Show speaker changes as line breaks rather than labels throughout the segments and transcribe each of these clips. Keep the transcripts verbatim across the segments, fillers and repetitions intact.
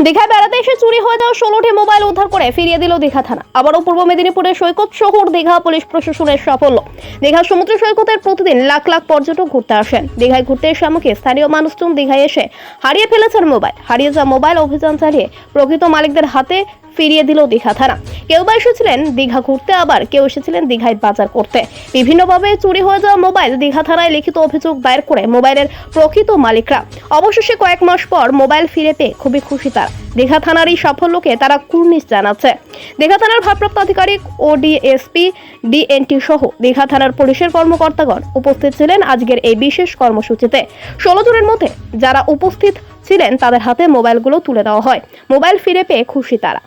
দীঘায় বেড়াতে এসে চুরি হয়ে যাওয়া ষোলোটি মোবাইল উদ্ধার করে ফিরিয়ে দিল দীঘা থানা। আবারও পূর্ব মেদিনীপুরের সৈকত শহর দীঘা পুলিশ প্রশাসনের সাফল্য। দীঘা সমুদ্র সৈকতের প্রতিদিন লাখ লাখ পর্যটক ঘুরতে আসেন। দীঘায় ঘুরতে এসে আমাকে স্থানীয় মানুষজন দীঘায় এসে হারিয়ে ফেলেছেন মোবাইল। হারিয়ে যাওয়া মোবাইল অভিযান চালিয়ে প্রকৃত মালিকদের হাতে ফিরিয়ে দিল দীঘা থানা। কেউ বা এসেছিলেন দীঘা ঘুরতে, আবার কেউ এসেছিলেন দীঘায় বাজার করতে। বিভিন্নভাবে চুরি হয়ে যাওয়া মোবাইল দীঘা থানায় লিখিত অভিযোগ দায়ের করে মোবাইলের প্রকৃত মালিকরা অবশেষে কয়েক মাস পর মোবাইল ফিরে পেয়ে খুবই খুশি তারা। দীঘা থানার এই সাফল্যকে তারা কুর্নিশ জানাচ্ছে। দীঘা থানার ভারপ্রাপ্ত আধিকারিক ও ডিএসপি ডিএনটি সহ দীঘা থানার পুলিশের কর্মকর্তাগণ উপস্থিত ছিলেন আজকের এই বিশেষ কর্মসূচিতে। ষোলো জনের মধ্যে যারা উপস্থিত ছিলেন তাদের হাতে মোবাইলগুলো তুলে দেওয়া হয়। মোবাইল ফিরে পেয়ে খুশি তারা।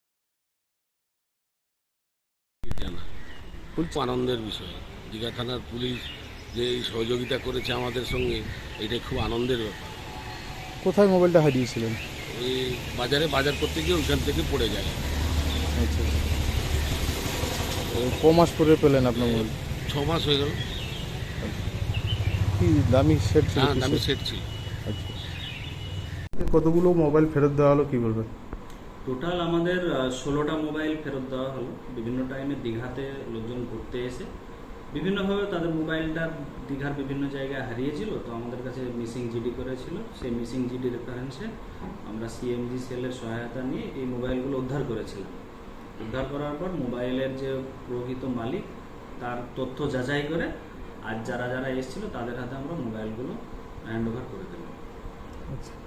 খুব আনন্দের বিষয়। দীঘা থানার পুলিশ যে সহযোগিতা করেছে আমাদের সঙ্গে, এটাই খুব আনন্দের ব্যাপার।
কোথায় মোবাইলটা হারিয়েছিলেন?
ওই বাজারে বাজার করতে গিয়ে ওইখান থেকে পড়ে যায়।
আচ্ছা, ক মাস পরে পেলেন আপনার মোবাইল?
ছ মাস হয়ে গেল।
কি দামি সেট ছিল?
হ্যাঁ, দামি সেট ছিল।
আচ্ছা, কতগুলো মোবাইল ফেরত দেওয়া হলো কি বলবেন?
টোটাল আমাদের ষোলোটা মোবাইল ফেরত দেওয়া হলো। বিভিন্ন টাইমে দীঘাতে লোকজন ঘুরতে এসে বিভিন্নভাবে তাদের মোবাইলটা দীঘার বিভিন্ন জায়গায় হারিয়েছিল, তো আমাদের কাছে মিসিং জিডি করেছিল। সেই মিসিং জিডি রেফারেন্সে আমরা সিএমজি সেলের সহায়তা নিয়ে এই মোবাইলগুলো উদ্ধার করেছিলাম। উদ্ধার করার পর মোবাইলের যে প্রকৃত মালিক তার তথ্য যাচাই করে আজ যারা যারা এসেছিল তাদের হাতে আমরা মোবাইলগুলো হ্যান্ড ওভার করে দিলাম।
আচ্ছা।